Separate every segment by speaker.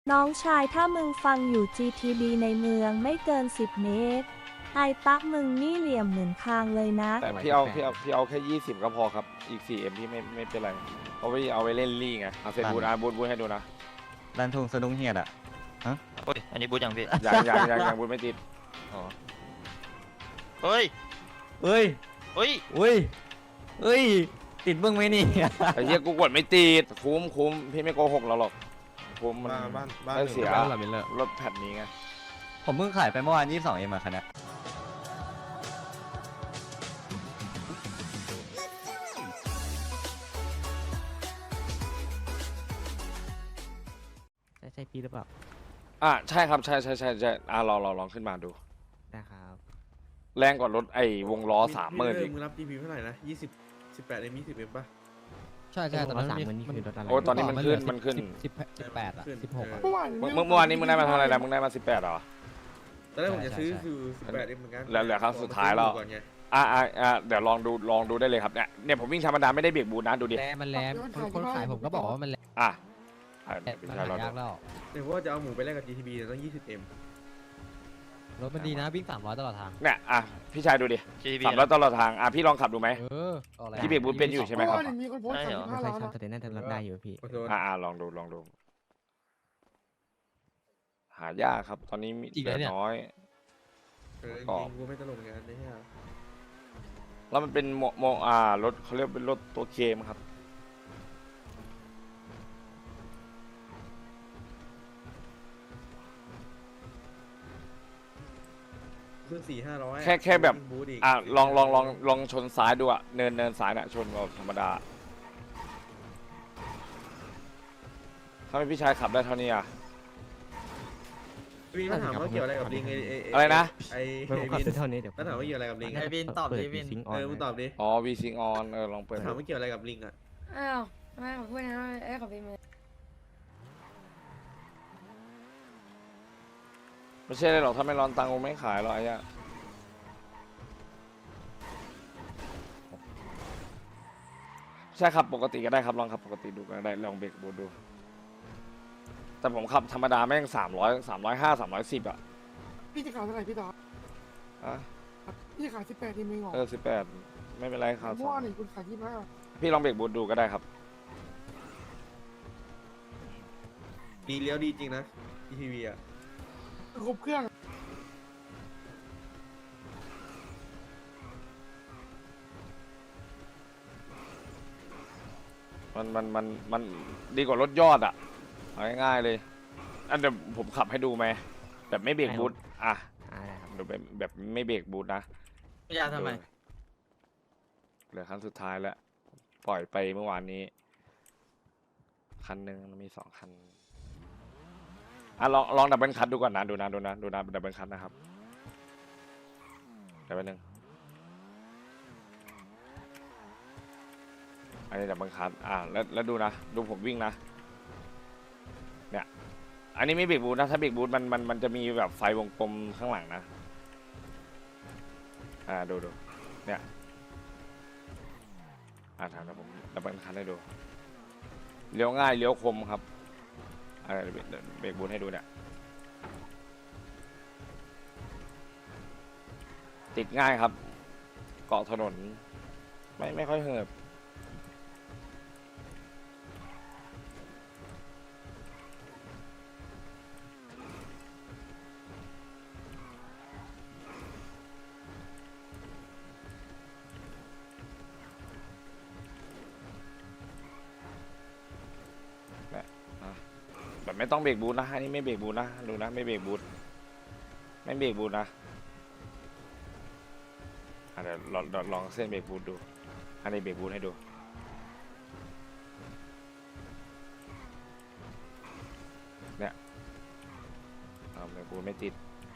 Speaker 1: น้องชายถ้ามึงฟังอยู่ GTB ในเมืองไม่เกิน10 เมตรไอตักมึงนี่เหลี่ยมเหมือนคางเลยนะ
Speaker 2: แต่พี่เอาแค่20ก็พอครับอีก4Mพี่ไม่เป็นไรเอาไว้เล่นลี่ไงเอาเซตบูทบูทให้ดูนะ
Speaker 3: ดันทงสะดุ้งเฮียดอ่ะฮะ
Speaker 4: โอ้ยอันนี้บูทยังพี่
Speaker 2: ยังบูทไม่ติด
Speaker 4: อ๋อเฮ้ย
Speaker 3: เอ้ย
Speaker 4: เฮ้ย
Speaker 3: อุ้ยเอ้ยติดเบื้องไหมนี่
Speaker 2: ไอ้เหี้ยกูกดไม่ติดคุ้มพี่ไม่โกหกเราหรอกคุ้มมัน
Speaker 5: บ้าน
Speaker 2: ได้เสีย
Speaker 5: บ้านหลังนี้เลย
Speaker 2: รถแพทนี้ไง
Speaker 3: ผมเพิ่งขายไปเมื่อวาน22 เอ็มอะคันเนี้ย
Speaker 6: ใช่พี่หรือเปล่า
Speaker 2: ใช่ครับใช่ลองขึ้นมาดู
Speaker 6: นะครับ
Speaker 2: แรงกว่ารถไอ้วงล้อ30,000อีก
Speaker 5: มึงรับ GP เท่าไหร่นะ18 M 20 M ป่ะ
Speaker 6: ใช่ตอนนั้น30,000นี่คือรถอะไร
Speaker 2: โอ้ตอนนี้มันขึ้น
Speaker 6: 18อ่ะ16อ่ะ
Speaker 5: เมื่อวาน
Speaker 2: เมื่อวานนี้มึงได้มาเท่าไหร่นะมึงได้มา18เหรอ
Speaker 5: ตอนแรกผมจะซื้อคือ18 M เหมือนกัน
Speaker 2: เหลือครั้งสุดท้ายแล้ว
Speaker 5: ก่อนไง
Speaker 2: เดี๋ยวลองดูได้เลยครับเนี่ยผมวิ่งธรรมดาไม่ได้เบรกบูทนะดูดิ
Speaker 6: มันแรงคนขายผมก็บอกว่ามันแรง
Speaker 2: พี่
Speaker 6: มัน
Speaker 2: ชาย
Speaker 6: หาร
Speaker 2: อดู
Speaker 6: ยากแล้ว
Speaker 5: เดี๋ยวว่าจะเอาหมูไปแลกกับ GTB เนี่ยต้อง20 M
Speaker 6: รถมันดีนะวิ่ง300ตลอดทาง
Speaker 2: เนี่ยพี่ชายดูดิ
Speaker 4: GTB
Speaker 2: ขับรถตลอดทางพี่ลองขับดูไหม
Speaker 6: ก็แรง
Speaker 2: พี่เบรกบูทเป็นอยู่ใช่ไหมครับ
Speaker 7: มีคนโพสต์
Speaker 4: ใช่เหรอ
Speaker 6: ไม่
Speaker 7: 35
Speaker 6: ใช่
Speaker 7: ล้าน
Speaker 6: ทำแต่น่าจะรถได้อยู่พี่
Speaker 5: ขอโทษ
Speaker 2: ลองดูหายากครับตอนนี้มีเหลือน้อย
Speaker 5: จริงๆกูไม่ตลกงานเนี่ย
Speaker 2: แล้วมันเป็นรถเขาเรียกเป็นรถตัวเคมครับ
Speaker 5: ขึ้น4-500
Speaker 2: แค่แบบ
Speaker 5: บูทอีก
Speaker 2: ลองชนซ้ายดูเนินซ้ายชนแบบธรรมดาถ้าไม่พี่ชายขับได้เท่านี้
Speaker 5: วินมาถามว่าเกี่ยวอะไรกับลิง
Speaker 2: อะไรนะ
Speaker 5: ไอ้
Speaker 6: ผมขับ
Speaker 5: วิน
Speaker 6: เท่านี้เดี๋ยว
Speaker 5: แล้วถามว่าเกี่ยวอะไรกับลิง
Speaker 4: ไอ้วินตอบดิวิน
Speaker 5: มึงตอบดิ
Speaker 2: วีซิงออนลองเปิด
Speaker 5: ถามว่าเกี่ยวอะไรกับลิงอ่ะ
Speaker 7: อ้าวทำไมขอพูดนะขอเป็นมือ
Speaker 2: ไม่ใช่เลยหรอกถ้าไม่ร้อนตังค์กูไม่ขายหรอกใช่ครับปกติก็ได้ครับลองขับปกติดูก็ได้ลองเบรกบูทดู แต่ผมขับธรรมดาแม่ง300 350 310
Speaker 7: พี่จะขายเท่าไหร่พี่ต่อพี่ขาย18ทีมเองเหรอ
Speaker 2: 18ไม่เป็นไรครับ
Speaker 7: เมื่อวานนี่คุณขาย25
Speaker 2: พี่ลองเบรกบูทดูก็ได้ครับ
Speaker 5: ดีเลี้ยวดีจริงนะ GTB อ่ะ
Speaker 7: ครบเครื่อง
Speaker 2: มันดีกว่ารถยอดเอาง่ายๆเลยเดี๋ยวผมขับให้ดูไหมแบบไม่เบรกบูทดูแบบไม่เบรกบูทนะ
Speaker 4: พี่ยาทำไม
Speaker 2: เหลือครั้งสุดท้ายแล้วปล่อยไปเมื่อวานนี้คันหนึ่งมี2 คันลองดับเบิลคัทดูก่อนนะดูนะดับเบิลคัทนะครับเดี๋ยวแป๊บนึงอันนี้ดับเบิลคัทแล้วดูนะดูผมวิ่งนะเนี่ยอันนี้ไม่เบรกบูทนะถ้าเบรกบูทมันจะมีแบบไฟวงกลมข้างหลังนะดูเนี่ยถามนะผมดับเบิลคัทให้ดูเลี้ยวง่ายเลี้ยวคมครับเบรกบูทให้ดูเนี่ยติดง่ายครับเกาะถนนไม่ค่อยเหิบแบบไม่ต้องเบรกบูทนะอันนี้ไม่เบรกบูทนะดูนะไม่เบรกบูทนะเดี๋ยวลองเส้นเบรกบูทดูอันนี้เบรกบูทให้ดูเนี่ยเบรกบูทไม่ติด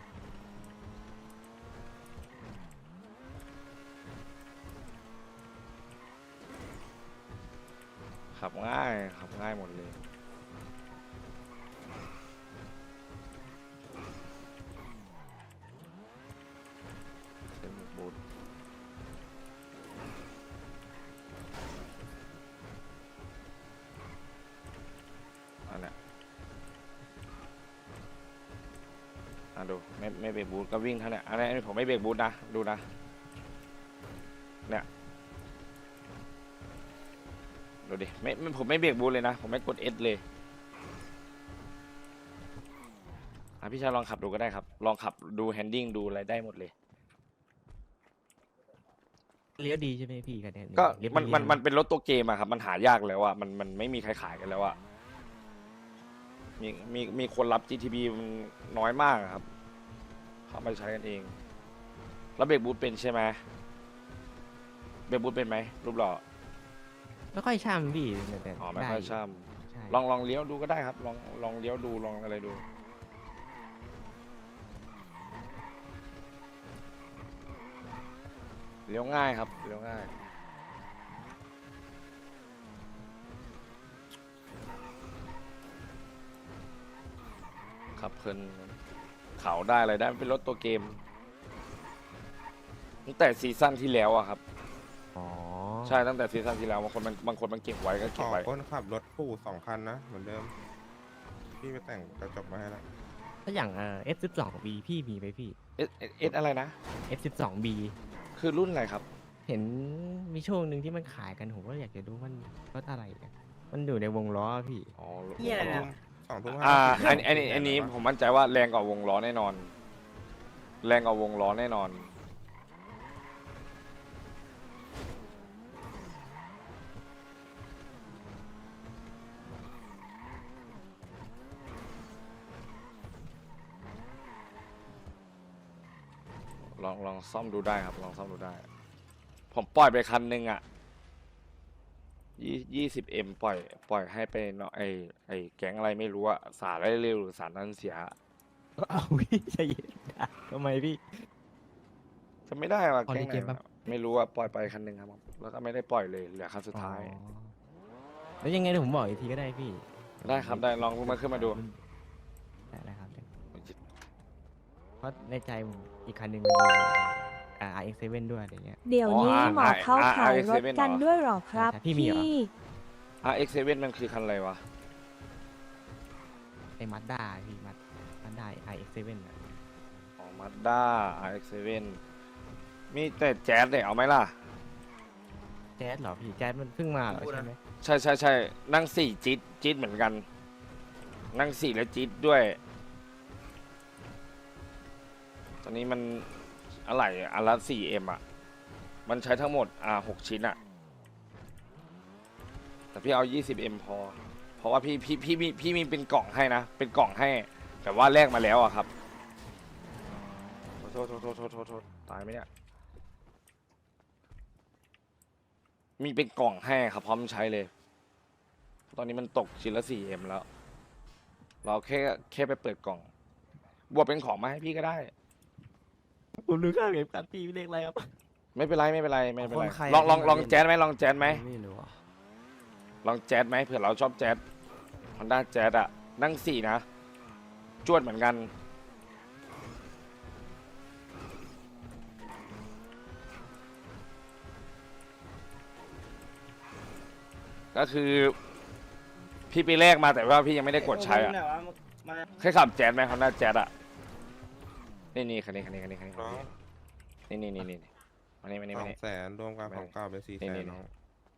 Speaker 2: ขับง่ายหมดเลยบูทอันเนี้ยดูไม่เบรกบูทก็วิ่งเท่านี้อันนี้ผมไม่เบรกบูทนะดูนะเนี่ยดูดิผมไม่เบรกบูทเลยนะผมไม่กด S เลยพี่ชายลองขับดูก็ได้ครับลองขับดูแฮนดิ้งดูอะไรได้หมดเลย
Speaker 6: เลี้ยวดีใช่ไหมพี่กันเนี่ย
Speaker 2: ก็
Speaker 6: เลี้ยว
Speaker 2: มันเป็นรถตัวเกมอะครับมันหายากแล้วอะมันไม่มีใครขายกันแล้วอะมีคนรับ GTB มันน้อยมากอะครับเขามาใช้กันเองแล้วเบรกบูทเป็นใช่ไหมเบรกบูทเป็นไหมรูปหล่อ
Speaker 6: ไม่ค่อยช่ำพี่แต่
Speaker 2: อ๋อไม่ค่อยช่
Speaker 6: ใช่
Speaker 2: ำลองเลี้ยวดูก็ได้ครับลองเลี้ยวดูลองอะไรดูเลี้ยวง่ายครับเลี้ยวง่ายขับเพลินเขาได้อะไรได้มันเป็นรถตัวเกมตั้งแต่ซีซั่นที่แล้วอะครับ
Speaker 6: อ๋อ
Speaker 2: ใช่ตั้งแต่ซีซั่นที่แล้วบางคนมันเก็บไว้ก็
Speaker 8: ข
Speaker 2: เก็บ
Speaker 8: อ
Speaker 2: ไว้
Speaker 8: คนขับรถปู่2 คันนะ เหมือนเดิม พี่ไปแต่งกระจกมาให้แล้ว
Speaker 6: ถ้าอย่างF12B พี่มีไหมพี่
Speaker 2: เอสอะไรนะ
Speaker 6: F12B
Speaker 2: คือรุ่นอะไรครับ
Speaker 6: เห็นมีช่วงหนึ่งที่มันขายกันผมก็อยากจะดูมันรถอะไรเนี่ยมันอยู่ในวงล้อพี่
Speaker 2: อ๋อ
Speaker 8: 2 ทุ่ม
Speaker 2: อันนี้ผมมั่นใจว่าแรงกว่าวงล้อแน่นอน แรงกว่าวงล้อแน่นอนลองซ่อมดูได้ครับลองซ่อมดูได้ ผมปล่อยไปคันหนึ่งอ่ะ20M ปล่อยให้ไปเนาะไอแก๊งอะไรไม่รู้อะสารได้เร็วหรือสารนั้นเสีย
Speaker 6: เอาพี่ใจเย็นนะทำไมพี่
Speaker 2: จะไม่ได้ว่ะ
Speaker 6: พอ
Speaker 2: แก๊
Speaker 6: ดี
Speaker 2: งไห
Speaker 6: เก
Speaker 2: น
Speaker 6: มปะ
Speaker 2: วะไม่รู้อะปล่อยไปคันหนึ่งครับผมแล้วก็ไม่ได้ปล่อยเลยเหลือคันสุดท้าย
Speaker 6: อ๋อแล้วยังไงเดี๋ยวผมบอกอีกทีก็ได้พี่
Speaker 2: ได้ครับได้ลองมาขึ้นมาดู
Speaker 6: ได้ครับเพราะในใจผมอีกคันหนึ่งมันมีRX7 ด้วยอะไรเงี้ย
Speaker 1: เดี๋ยวนี้หมอเขาขายรถกันด้วยเหรอครับ
Speaker 6: ใช่พี่มีเหรอ
Speaker 2: RX7 มันคือคันอะไรวะ
Speaker 6: ไอ้มัดด้าพี่มัดด้าRX7 อ่ะ
Speaker 2: อ๋อ Mazda RX7 มีแต่แจ๊สเนี่ยเอาไหมล่ะ
Speaker 6: แจ๊สเหรอพี่แจ๊สมันเพิ่งมาเหรอใช่ไหม
Speaker 2: ใช่นั่ง4จี๊ดเหมือนกัน นั่ง4แล้วจี๊ดด้วย ตอนนี้มันอะไรอันละ 4M อ่ะ มันใช้ทั้งหมด6 ชิ้นอ่ะ แต่พี่เอา 20M พอ เพราะว่าพี่มีเป็นกล่องให้นะ เป็นกล่องให้ แต่ว่าแลกมาแล้วอะครับ โทษตายไหมเนี่ย มีเป็นกล่องให้ครับพร้อมใช้เลย ตอนนี้มันตกชิ้นละ 4M แล้ว เราแค่ไปเปิดกล่อง บวกเป็นของมาให้พี่ก็ได้
Speaker 6: ผมรู้ข้าวเก็บกันพี่เลขอะไรครับ
Speaker 2: ไม่เป็นไรไม่เป็นไร
Speaker 3: คนใคร
Speaker 2: ลองแจ๊สไหมลองแจ๊สไหม
Speaker 3: ไม่รู้อ่ะ
Speaker 2: ลองแจ๊สไหมเผื่อเราชอบแจ๊ส Honda แจ๊สอะนั่ง4นะจวดเหมือนกัน ก็คือพี่ไปแลกมาแต่ว่าพี่ยังไม่ได้กดใช้อะเคยขับแจ๊สไหม Honda แจ๊สอะนี่คันนี้
Speaker 8: น้อง
Speaker 2: นี่มานี่
Speaker 8: 200,000รวมกับของเก่าเป็น400,000น้อง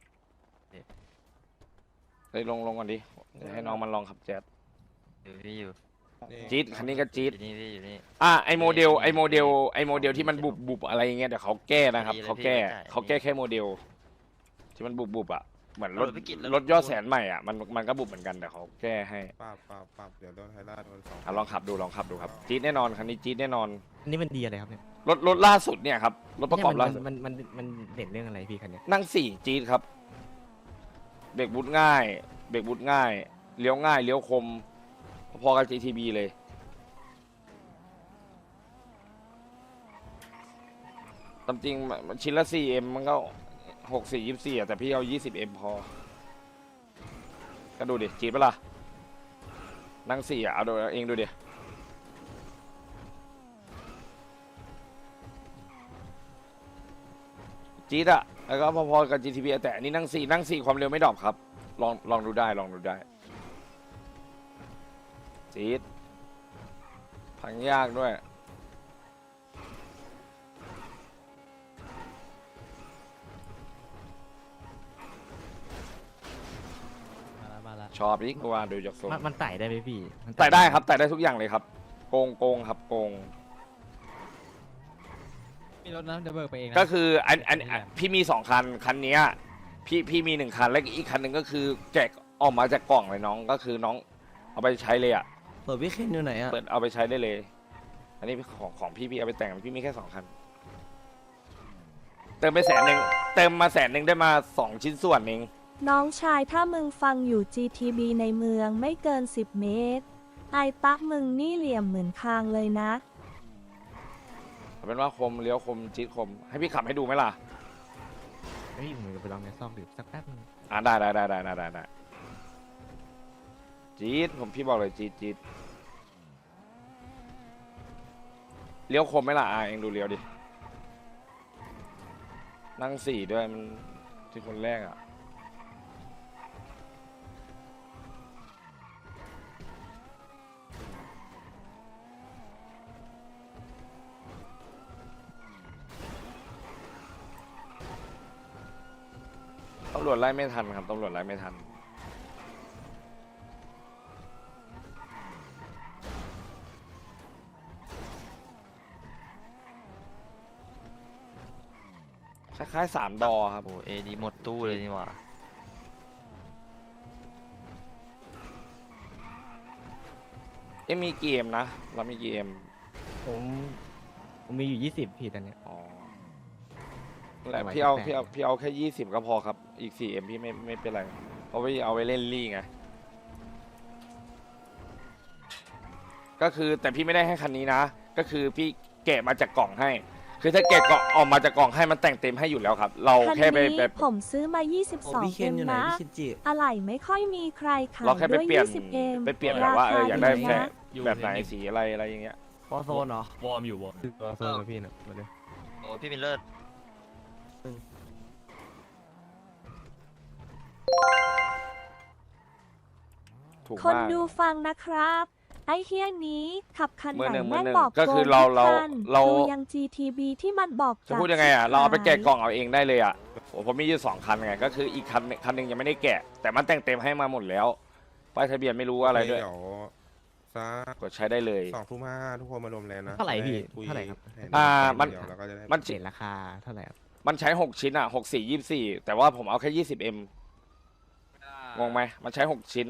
Speaker 2: เฮ้ยลงก่อนดิเดี๋ยวให้น้องมันลองขับแจ๊ส
Speaker 4: อยู่พี่อยู่
Speaker 8: นี่
Speaker 2: จี๊ดคันนี้ก็จี๊ด
Speaker 4: อยู่นี่พี่อยู่นี่
Speaker 2: ไอโมเดลที่มันบุบอะไรอย่างเงี้ยเดี๋ยวเขาแก้นะครับ
Speaker 4: ดีเลย
Speaker 2: เขาแก้
Speaker 4: พี่ได้
Speaker 2: เขาแก้แค่โมเดล ที่มันบุบอ่ะเหมือนรถ
Speaker 4: เอารถไปกินแล้ว
Speaker 2: รถยอดแสนใหม่อ่ะมันก็บุบเหมือนกันแต่เขาแก้ให้
Speaker 8: ปรับเดี๋ยวโดนไทยราชโดน2
Speaker 2: ลองขับดูครับจี๊ดแน่นอนคันนี้จี๊ดแน่นอน
Speaker 6: อันนี้มันดีอะไรครับเนี่ย
Speaker 2: รถล่าสุดเนี่ยครับรถประกอบล่าสุด
Speaker 6: มันเด่นเรื่องอะไรพี่คันเนี้ย
Speaker 2: นั่ง4จี๊ดครับเบรกบูทง่ายเลี้ยวง่ายเลี้ยวคมพอๆกับ GTB เลยตามจริงมันชิ้นละ 4M มันก็64 24แต่พี่เอา 20M พอ ก็ดูดิจี๊ดปะล่ะ นั่ง4เอาดูเองดูดิ จี๊ดอะแล้วก็พอๆกับ GTB แต่อันนี้นั่ง 4ความเร็วไม่ดรอปครับ ลองดูได้ จี๊ดพังยากด้วย
Speaker 6: มาละ
Speaker 2: ชอบอีกกูว่าดูจากทรง
Speaker 6: มันไต่ได้ไหมพี่มัน
Speaker 2: ไต่ได้ครับไต่ได้ทุกอย่างเลยครับ โกงครับโกง
Speaker 6: มีรถนะเดี๋ยวเบิกไปเองนะ
Speaker 2: ก็คืออันพี่มี2 คันคันเนี้ยพี่มี1 คันแล้วอีกคันหนึ่งก็คือแกะออกมาจากกล่องเลยน้องก็คือน้องเอาไปใช้เลยอ่ะ
Speaker 9: เปิดวิเคนอยู่ไหนอ่ะ
Speaker 2: เปิดเอาไปใช้ได้เลย อันนี้ของพี่เอาไปแต่งพี่มีแค่2 คัน เติมไป100,000เติมมา100,000ได้มา2 ชิ้นส่วนเอง
Speaker 1: น้องชายถ้ามึงฟังอยู่ GTB ในเมืองไม่เกิน 10 เมตร ไอตักมึงนี่เหลี่ยมเหมือนคางเลยนะ
Speaker 2: เอาเป็นว่าคมเลี้ยวคมจี๊ดคมให้พี่ขับให้ดูไหมล่ะ
Speaker 6: เฮ้ยผมจะไปลองในซอกดื่มสักแป๊บนึง
Speaker 2: ได้จี๊ดพี่บอกเลยจี๊ดเลี้ยวคมไหมล่ะเองดูเลี้ยวดินั่ง4ด้วยมันที่คนแรกอ่ะตำรวจไล่ไม่ทันครับตำรวจไล่ไม่ทันคล้ายๆ3 ดอครับ
Speaker 4: โอ้เอดีหมดตู้เลยนี่หว่า
Speaker 2: มีเกมนะเรามีเกม
Speaker 6: ผมมีอยู่20พี่ตอนเนี้ย
Speaker 2: อ๋อนั่นแหละ
Speaker 6: ไม่ไหว
Speaker 2: พี่เอา
Speaker 6: แปลก
Speaker 2: พี่เอาแค่20ก็พอครับ อีก4Mพี่ไม่เป็นไรเพราะพี่เอาไว้เล่นลี่ไงก็คือแต่พี่ไม่ได้ให้คันนี้นะ ก็คือพี่แกะมาจากกล่องให้ คือถ้าแกะกล่องออกมาจากกล่องให้มันแต่งเต็มให้อยู่แล้วครับ เรา
Speaker 1: คัน
Speaker 2: แค่ไป
Speaker 1: นี้ผมซื้อมา
Speaker 9: โอ้วิ
Speaker 1: 22
Speaker 9: เคน
Speaker 1: เอ็ม
Speaker 9: อยู่ไหน
Speaker 1: นะ
Speaker 9: พี่ชินจิ
Speaker 1: อะไหล่ไม่ค่อยมีใครขาย
Speaker 2: เราแค่ไป
Speaker 1: ด้วย
Speaker 2: เปลี่ยน
Speaker 1: 20 เอ็ม
Speaker 2: ไปเปลี่ยนแบบว่าอยากได้
Speaker 1: ดี
Speaker 2: แค่
Speaker 1: นะ
Speaker 2: แบบไหนสีอะไรอย่างเงี้ย
Speaker 9: พอโซนเหรอ
Speaker 6: วอร์มอยู่วอร์มตัวโซนกับพี่นะมาเลย
Speaker 4: โอ้พี่มิลเลอร์
Speaker 2: ถูก
Speaker 1: คน
Speaker 2: มาก
Speaker 1: ดูฟังนะครับ ไอเฮียนี้ขับคันไหน
Speaker 2: มือหนึ่ง
Speaker 1: แม่งบอก
Speaker 2: ก็คือ
Speaker 1: โกง
Speaker 2: เรา
Speaker 1: ทุกคัน
Speaker 2: เรา
Speaker 1: ดูยัง GTB ที่มันบอก
Speaker 2: จะพูดยังไงอ่ะเราเอาไปแกะกล่องเอาเองได้เลยอ่ะโอ้ผมมีอยู่2 คันไงก็คืออีกคันหนึ่งยังไม่ได้แกะ แต่มันแต่งเต็มให้มาหมดแล้วป้ายทะเบียนไม่รู้อะไรด้วย
Speaker 8: เดี๋ยวสัก
Speaker 2: กดใช้ได้เลย
Speaker 8: 2:05ทุกคนมารวมแล้วนะ
Speaker 6: เท่าไหร่พี่
Speaker 8: ด้คุย
Speaker 6: เท่าไหร่ครับ
Speaker 8: ให้
Speaker 2: มัน
Speaker 8: เดี๋ยวเราก็จะได้
Speaker 2: มัน
Speaker 6: เห็นราคาเท่าไหร่ครับ
Speaker 2: มันใช้6 ชิ้นอ่ะ6 4 24แต่ว่าผมเอาแค่ 20M งงไหมมันใช้6 ชิ้น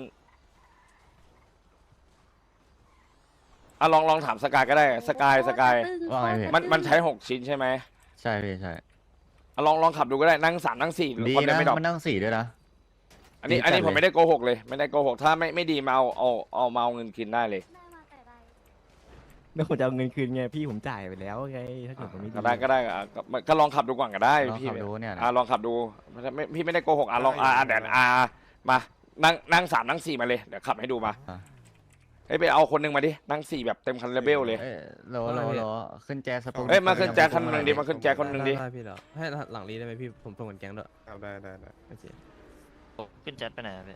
Speaker 2: อ่ะลองถามสกายก็ได้สกาย
Speaker 3: ว่าไงพี่
Speaker 2: มันใช้6 ชิ้นใช่ไหม
Speaker 3: ใช่พี่ใช่
Speaker 2: อ่ะลองขับดูก็ได้นั่ง3นั่ง4
Speaker 3: ดี
Speaker 2: คนเดียว
Speaker 3: นะ
Speaker 2: ไม่ดรอป
Speaker 3: มันนั่ง4ด้วยนะ
Speaker 2: อันนี้
Speaker 3: ดีจัดเลย
Speaker 2: ผมไม่ได้โกหกเลยไม่ได้โกหกถ้าไม่ดีมาเอามาเอาเงินคืนได้เลย
Speaker 6: แล้วผมจะเอาเงินคืนไงพี่ผมจ่ายไปแล้วไงถ้าเกิดผมไม่ดี
Speaker 2: ก็ได้อ่ะก็ลองขับดูก่อนก็ได้
Speaker 3: ลอง
Speaker 2: พี่
Speaker 3: ขับดูเนี่ยนะ
Speaker 2: ลองขับดูพี่ไม่ได้โกหกลองเดี๋ยวมานั่ง3นั่ง4มาเลยเดี๋ยวขับให้ดูมา
Speaker 3: อ่ะ
Speaker 2: เอ้ยไปเอาคนหนึงมาดินั่ง4แบบเต็มคันเรเบลเลย
Speaker 3: โลขึ้นแจสปู
Speaker 2: เอ้ยมาขึ้นแจ็คคันหนึ่งดิมาขึ้นแจ็คคนหนึ่งดิ
Speaker 9: ได้พี่เหรอให้หลังรีได้ไหมพี่ผมส่งกันแก๊งด้วย
Speaker 8: ครับได้
Speaker 9: โอเค
Speaker 4: โอ้ขึ้นจัดไปไหนอะพี่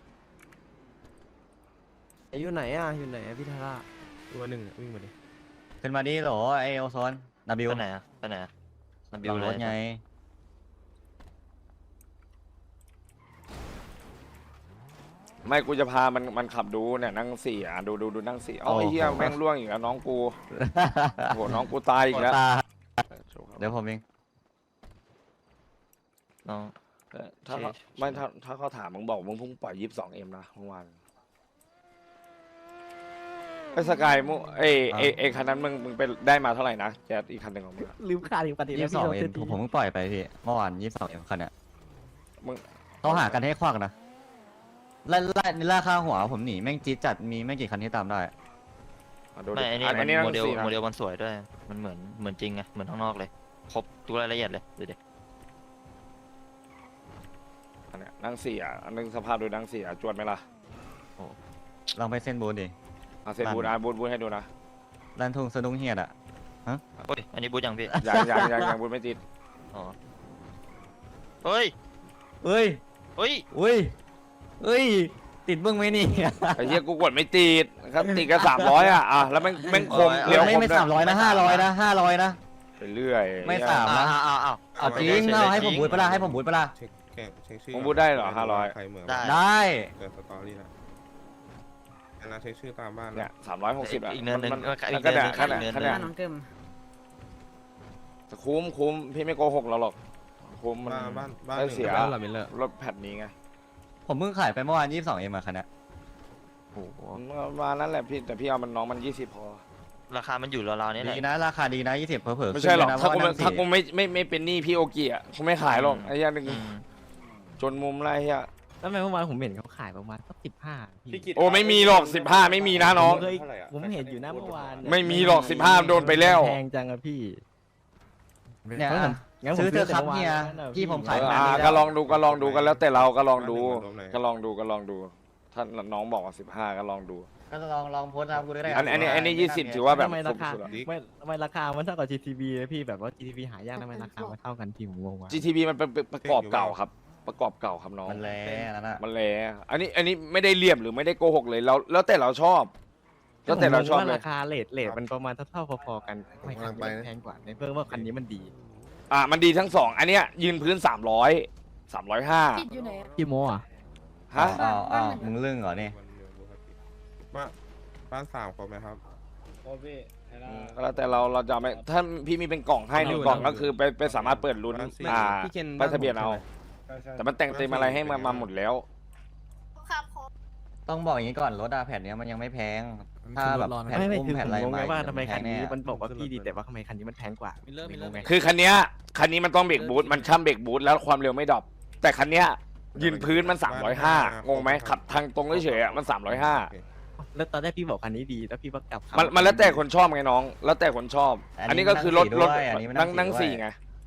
Speaker 9: อยู่ไหนอ่ะอยู่ไหนอะพี่ทาร่า
Speaker 6: ตัวหนึ่งวิ่งมาดิ
Speaker 3: ขึ้นมาดิโหลไอโอโซนนาบิว
Speaker 4: ไปไหนอะไปไหนอะนับบิ
Speaker 3: หลั
Speaker 4: ว
Speaker 3: ง
Speaker 4: เล
Speaker 3: ร
Speaker 4: ย
Speaker 3: ถไง
Speaker 2: ไม่กูจะพามันขับดูเนี่ยนั่ง4ดูนั่ง4เอาไอ้เหี้ยแม่งล่วงอีกแล้วน้องกูโหน้องกูตายอีกแล้ว
Speaker 3: ตาเดี๋ยวผมเอง
Speaker 4: น้อง
Speaker 2: ถ้าเขาไม่ถ้าเขาถามมึงบอกมึงเพิ่งปล่อย 22M นะเมื่อวานไอ้สกายมุไอ้คันนั้นมึงไปได้มาเท่าไหร่นะแจ๊ดอีกคันหนึ่งของมึงอะ
Speaker 6: ลืมขาดอีกปฏิ
Speaker 3: 22M ผมเพิ่งปล่อยไปพี่เมื่อวาน 22M คันเนี้ย
Speaker 2: มึง
Speaker 3: เขาหากันให้ควักนะล่าค่าหัวผมหนีแม่งจี๊ดจัดมีไม่กี่คันที่ตามได้
Speaker 2: ดู
Speaker 4: ไม่อันนี้
Speaker 2: อันนี้
Speaker 4: โม
Speaker 2: นั่ง
Speaker 4: เดล
Speaker 2: 4นะ
Speaker 4: โมเดลมันสวยด้วยมันเหมือนจริงไงเหมือนข้างนอกเลยครบทุกรายละเอียดเลยดูดิ
Speaker 2: อันเนี้ยนั่ง4อันนึงสภาพดูนั่ง4จวนไหมล่ะ
Speaker 3: ลองไปเส้นบูธดิ
Speaker 2: เซนบูดบูดให้ดูนะ
Speaker 3: ร้านทุ่งสนุกเฮียดอ่ะ
Speaker 4: โอ้ยอันนี้บูธยังพี่
Speaker 2: ยังบูดไม่ติด
Speaker 4: อ๋อเฮ้ย
Speaker 3: เอ้ย
Speaker 4: เฮ้ย
Speaker 3: อุ้ยเอ้ย ติติดมึงไหมนี่
Speaker 2: ไอ้เหี้ยกูกดไม่ติดครับติดกัน300อ่ะแล้วแม่งคม
Speaker 3: เดี๋ยวไม่
Speaker 2: ค
Speaker 3: ไม่
Speaker 2: ด้วย
Speaker 3: 300นะ500นะ500นะ
Speaker 2: ไปเรื่อย
Speaker 3: ไม่สามนะ เอาจริงเอาให้ผมบูทปะล่ะให้ผมบูทปะล่ะ
Speaker 8: เช็คเช็คชื่อ
Speaker 2: ผมพูดได้เหรอ500
Speaker 8: ใครเหมือน
Speaker 4: ได้
Speaker 3: ได้
Speaker 8: เกิดสตอรี่นะอันนั้นเช็คชื่อตามบ้าน
Speaker 2: เนี่ย
Speaker 8: นะ
Speaker 2: 360อ่ะ
Speaker 4: อีกเนินหนึ่ง
Speaker 2: มัน
Speaker 4: อีก
Speaker 2: ก็
Speaker 4: เนินหนึ่
Speaker 2: ได้
Speaker 4: ง
Speaker 2: ขนาด
Speaker 4: อีกเนินหนึ่ง
Speaker 2: ขนาด
Speaker 10: น้องเกิม
Speaker 2: คุ้มพี่ไม่โกหกเราหรอกคุ้มมัน
Speaker 8: บ้าน
Speaker 2: ได้
Speaker 8: หนึ่ง
Speaker 2: เสีย
Speaker 9: บ้านเหรอมิลเลอร์
Speaker 2: รถแพทนี้ไง
Speaker 3: ผมเพิ่งขายไปเมื่อวาน22เอ็มอะคันนี้
Speaker 4: โอ้โห
Speaker 2: ประมาณนั้นแหละพี่แต่พี่เอามันน้องมัน20พอ
Speaker 4: ราคามันอยู่ราวๆนี้แห
Speaker 3: ดี
Speaker 4: ละ
Speaker 3: นะราคาดีนะ20เผลอๆ
Speaker 2: ไม่ใช่หรอก
Speaker 3: ขึ้น
Speaker 2: ถ้ากู
Speaker 3: เลยนะเพระว่
Speaker 2: ถ้ากู
Speaker 3: นั่งสี่
Speaker 2: ไม่เป็นหนี้พี่โอเกียคงไม่ขายหรอกไอ้เหี้ยนึง
Speaker 4: อืม
Speaker 2: จนมุมไรเหี้ย
Speaker 6: แล้วทำไมเมื่อวานผมเห็นเขาขายประมาณสัก15พี่
Speaker 2: โอ้ไม่มีหรอก15ไม่มีนะน้อง
Speaker 6: ผมเคยผมเห็นอยู่นะเมื่อวานเนี่ย
Speaker 2: ไม่มีหรอก15โดนไปแล้ว
Speaker 6: แพงจังอะพี่
Speaker 3: เนี่ย
Speaker 6: เพราะ
Speaker 3: อ่ะ
Speaker 6: งั้นผม
Speaker 3: ซื้อเถอะครับ
Speaker 6: ตั้งแต่
Speaker 3: เฮีย
Speaker 6: มื่อวานแล้วนะ
Speaker 3: พี่ผมขาย
Speaker 2: เออ
Speaker 3: ขนาดนี้
Speaker 2: ก็
Speaker 3: แล้ว
Speaker 2: ลองดูกันแล้วแต่เราก็ลองดู
Speaker 8: บ้านหนึ่ง
Speaker 2: ก็ลองดูถ้าน้องบอกว่า15ก็ลองดู
Speaker 3: ก็ลองโพสต์นะครับกูได้
Speaker 2: อันนี้20ถือว่าแบบ
Speaker 6: ทำไมราคา
Speaker 2: สุดๆอะ
Speaker 6: ไม่ทำไมราคามันเท่ากับ GTB เลยพี่แบบว่า GTB หายากทำไมราคามันเท่ากันพี่ผมงงว่ะ
Speaker 2: GTB มันเป็นประกอบเก่าครับ ประกอบเก่าครับน้อง
Speaker 3: มันแรงนั่นน่ะ
Speaker 2: มันแลอันนี้ไม่ได้เลี่ยมหรือไม่ได้โกหกเลยแล้วแต่เราชอบ แล้วแต่เราชอบ
Speaker 6: ผมงง
Speaker 2: เล
Speaker 6: ว่าย ราคาเลทมันประมาณเท่าๆพอๆกันไม่คันนี้มันแพงกว่าในเพิ่มว่าคันนี้มันดี
Speaker 2: มันดีทั้งสองอันเนี้ยยืนพื้น300
Speaker 10: ติดอยู่ไหนอะ
Speaker 6: พี่โมอ่ะ
Speaker 2: 305ฮะ
Speaker 3: อ้าวมึงลึ่งเหรอเนี่ย
Speaker 8: บ้านสามครบไหมครับ
Speaker 2: ก็แล้วแต่เราจะไม่ถ้าพี่มีเป็นกล่องให้หนึ่งกล่องก็คือไปสามารถเปิดลุ้น
Speaker 9: พี่เคน
Speaker 2: ป้ายทะเบียนเอา แต่มันแต่งเต็มอะไรให้มาหมดแล้ว
Speaker 10: ครับผม
Speaker 3: ต้องบอกอย่างนี้ก่อนรถอะแผ่นเนี้ยมันยังไม่แพง ถ้าแบบแผ่น
Speaker 6: ไม่
Speaker 3: อุ้ม
Speaker 6: คือ
Speaker 3: แผ่น
Speaker 6: ผ
Speaker 3: อะไร
Speaker 6: มงง
Speaker 3: มา
Speaker 6: ไงว่า
Speaker 3: อีก
Speaker 6: ทำไมคันนี้
Speaker 3: แพง
Speaker 6: มันบอกว่าพี่ดีแต่ว่าทำไมคันนี้มันแพงกว่าไม่งงไง
Speaker 2: คือคันเนี้ยมันต้องเบรกบูทมันช่ำเบรกบูทแล้วความเร็วไม่ดรอปแต่คันเนี้ยยืนพื้นมัน305งงไหมขับทางตรงเฉยๆอะมัน305
Speaker 6: แล้วตอนแรกพี่บอกคันนี้ดีแล้วพี่ว่ากลับ
Speaker 2: มันแล้วแต่คนชอบไงน้อง แล้วแต่คนชอบ อันนี้ก็คือรถ
Speaker 3: อันนี้มัน
Speaker 2: นั่ง
Speaker 3: ด้วย
Speaker 2: สี่ไง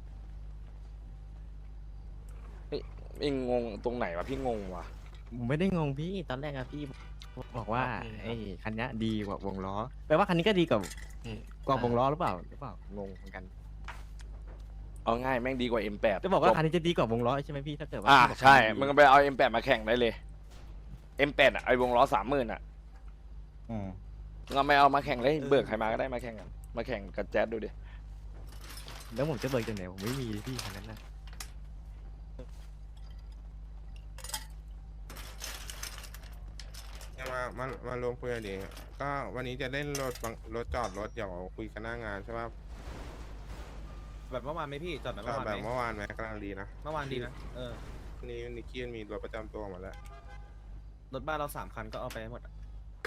Speaker 2: เองงงตรงไหนวะพี่งงวะ
Speaker 6: ผมไม่ได้งงพี่ตอนแรกอะพี่บอกว่าไอ้คันนี้ดีกว่าวงล้อแปลว่าคันนี้ก็ดีกว่าวงล้อหรือเปล่างงเหมือนกัน
Speaker 2: เอาง่ายแม่งดีกว่า M8
Speaker 6: จะบอกว่าคันนี้จะดีกว่าวงล้อใช่ไหมพี่ถ้าเกิดว่า
Speaker 2: ใช่มึงก็ไปเอา M8 มาแข่งได้เลย M8 อ่ะไอวงล้อ30,000อ่ะ
Speaker 3: อืม
Speaker 2: เราไม่เอามาแข่งเลยเบิกใครมาก็ได้มาแข่งกันมาแข่งกับแจ๊ดดูดิ
Speaker 6: แล้วผมจะเบิกจากไหนผมไม่มีพี่คันนั้นนะ
Speaker 8: มารวมคุยกันดีก็วันนี้จะเล่นรถจอดรถเดี๋ยวคุยกันหน้างานใช่ป่ะ
Speaker 5: แบบเมื่อวานไหมพี่จอดแบบ
Speaker 8: ก็
Speaker 5: เมื่อวาน
Speaker 8: แบบ
Speaker 5: ไหม
Speaker 8: เมื่อวานไหมกำลังดีนะ
Speaker 5: เมื่อวานดีนะ
Speaker 8: นี่นิกกี้มีรถประจำตัวหมดแล้ว
Speaker 5: รถบ้านเรา3 คันก็เอาไปหมดอะ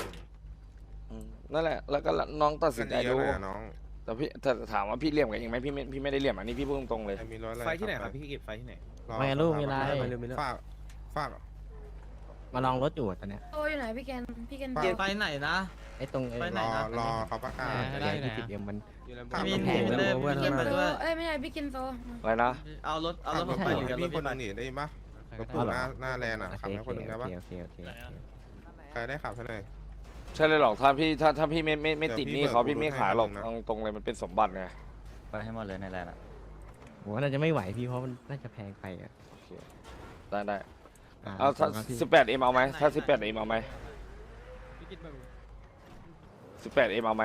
Speaker 2: นั่นแหละแล้วก็น้องตัดสินใจ
Speaker 8: เย
Speaker 2: ดู
Speaker 8: อะเลยอะน้อง
Speaker 2: แต่พี่แต่ถามว่าพี่เหลี่ยมกับเองไหมพี่ไม่ได้เหลี่ยมอันนี้พี่พูดตรงๆเลย
Speaker 8: ใครมีรถอะไร
Speaker 5: ไฟที่ไหนครับพี่เก็บไฟที่ไหน
Speaker 6: ไม่ลูกมีอะไร
Speaker 8: ฝาก
Speaker 6: มาลองรถอยู่ตอนเนี้ย
Speaker 10: โตอยู่ไหนพี่แกนพี่แกน
Speaker 8: ไปไหนนะ
Speaker 6: ไอ้ตรง
Speaker 8: รอเขาประกาศ
Speaker 6: 20M มัน
Speaker 8: มี
Speaker 6: แพงเลย
Speaker 10: พี่แกนโตไม่ใช่พี่แกนโต
Speaker 2: อะไรนะ
Speaker 5: เอารถ
Speaker 8: ผมไปกับพี่คนนึงหนีได้ปะรถตู้หน้าแลนด์อ่ะขับให้คนนึงได้ปะ
Speaker 6: โอเค
Speaker 8: ใครได้ขับเท่าไหร่
Speaker 2: ใช่เลยหรอกถ้าพี่ไม่ติดหนี้เขา
Speaker 8: เดี๋
Speaker 2: พี่
Speaker 8: ยวพี่
Speaker 2: ไม่ขายหรอก
Speaker 8: เบิก
Speaker 2: เอาตรงเลยมันเป็นสมบัติไง
Speaker 3: ไปให้หมดเลยในแลนด์อะ
Speaker 6: ผมว่าน่าจะไม่ไหวพี่เพราะมันน่าจะแพงไปอ่ะ
Speaker 2: ได้เอาถ้า18M เอาไหมถ้า 18M เอาไหม 18M เอาไหม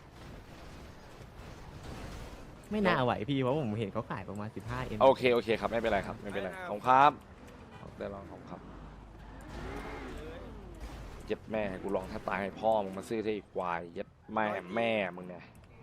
Speaker 6: ไม่น่าไหวพี่เพราะผมเห็นเขาขายประมาณ 15M
Speaker 2: โอเคครับไม่เป็นไรครับไม่เป็นไรขอบคุณครับได้ลองของครับเย็ดแม่กูลองถ้าตายให้พ่อมึงมาซื้อที่ควายเย็ดแม่มึงเนี่ย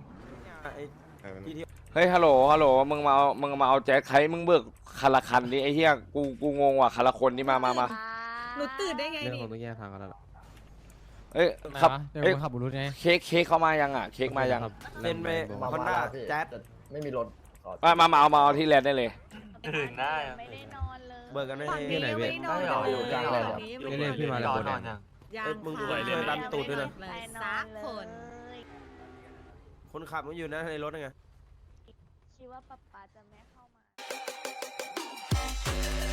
Speaker 2: เฮ้ยฮัลโหลมึงมาเอาแจ็คใครมึงเบิกคาราคันดิไอ้เหี้ยกูงงว่ะคาราคนนี่มา
Speaker 10: หนูตื่นได้ไง
Speaker 9: เรื่อง
Speaker 10: นี่
Speaker 9: ของต้องแยกทางกันแล้วล่ะ
Speaker 2: เอ้ยครับ
Speaker 6: เดี๋ยว
Speaker 2: เอ้ย
Speaker 6: ขับบุรุษไง
Speaker 2: เค้กเข้ามายังอ่ะเค้กมายัง
Speaker 9: เล่นไป
Speaker 5: ฮอนด้าแจ๊ด
Speaker 9: ไม่มีรถ
Speaker 2: มาเอาที่แลนด์ได้เลย
Speaker 4: ถึงได้
Speaker 10: ไม่ได้นอนเลย
Speaker 5: เบิกกันไม่
Speaker 10: ฝั่ง
Speaker 5: ได้
Speaker 10: นี้ยังไม่ได้นอนเลย
Speaker 9: เล่นพี่มาแล้วโบแดง
Speaker 5: มึงดูช่วยดันตูดด้วยนะ
Speaker 10: สักคน
Speaker 5: คนขับมันอยู่นะในรถไง
Speaker 1: คิดว่าป๊าจะไม่เข้ามา